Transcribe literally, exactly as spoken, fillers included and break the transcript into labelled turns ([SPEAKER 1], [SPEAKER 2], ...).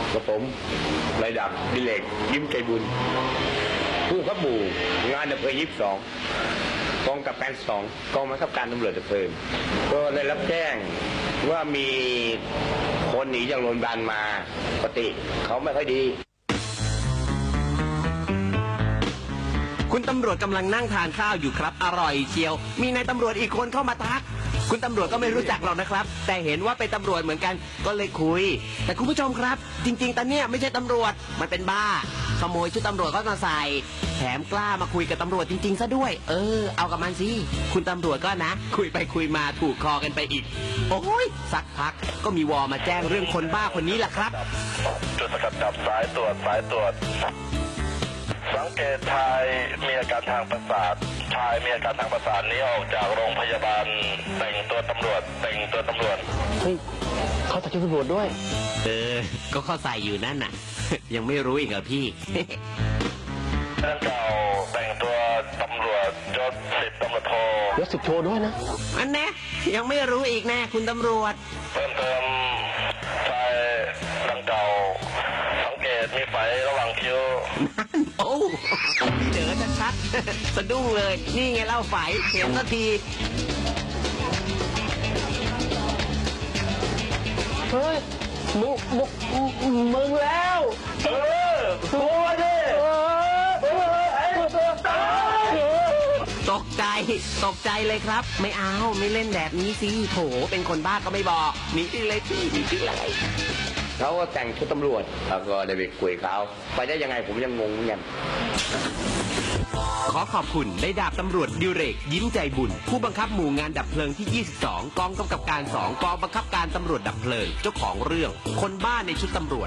[SPEAKER 1] กับผมนายดาบดิเลกยิ้มใจบุญผู้ขับหมู่งานดับเพลิงยี่สิบสองกองกับการสองกองบังคับการตำรวจดับเพลิงก็ได้รับแจ้งว่ามีคนหนีจากโรงพยาบาลมาปกติเขาไม่ค่อยดี
[SPEAKER 2] คุณตำรวจกำลังนั่งทานข้าวอยู่ครับอร่อยเชียวมีนายตำรวจอีกคนเข้ามาทักคุณตำรวจก็ไม่รู้จักหรอกนะครับแต่เห็นว่าเป็นตำรวจเหมือนกันก็เลยคุยแต่คุณผู้ชมครับจริงๆตอนเนี้ยไม่ใช่ตำรวจมันเป็นบ้าขโมยชุดตำรวจก็มาใส่แถมกล้ามาคุยกับตำรวจจริงๆซะด้วยเออเอากับมันสิคุณตำรวจก็นะคุยไปคุยมาถูกคอกันไปอีกโอ้ยสักพักก็มีวอมาแจ้งเรื่องคนบ้าคนนี้แหละครับ
[SPEAKER 3] จุดสกัดจับสายตรวจสายตรวจสังเกตชายมีอาการทางประสาทชายมีอาการทางประสาทนี้ออกจากโรงพยาบาลแต่งตัวตำรวจแต่งตัวตำรวจ
[SPEAKER 1] เฮ้ยเขาใส่ชุดตำรวจด้วย
[SPEAKER 2] เออก็เขาใส่อยู่นั่นน่ะ ยังไม่รู้อีกเหรอพี่
[SPEAKER 3] นั่นเก่าแต่งตัวตำรวจยศสิบตำรวจโท
[SPEAKER 1] ยศสิบโทด้วยนะ
[SPEAKER 2] อันแน่ยังไม่รู้อีกแน่คุณตำรวจ
[SPEAKER 3] เพิ่มเติมชายดังเก่าสังเกตมีไฟระหว่างคิ้ว
[SPEAKER 2] นั่นโอ้พี่เด๋อชัดๆสะดุ้งเลยนี่ไงเล่าไฟเห็นสักที
[SPEAKER 1] เฮ้ยมึงมึงมึงแล้วเออตัวดิ
[SPEAKER 2] ตกใจตกใจเลยครับไม่เอาไม่เล่นแบบนี้สิโถเป็นคนบ้าก็ไม่บอกหนีที่เลยพี่หนีที่ไร
[SPEAKER 1] เขาก็แต่งชุดตำรวจแล้วก็ได้ไปคุยเขาไปได้ยังไงผมยังงงเหมือนกัน
[SPEAKER 2] ขอขอบคุณนายดาบตำรวจดิเรกยิ้มใจบุญผู้บังคับหมู่งานดับเพลิงที่ยี่สิบสองกองกำกับการสองกองบังคับการตำรวจดับเพลิงเจ้าของเรื่องคนบ้าในชุดตำรวจ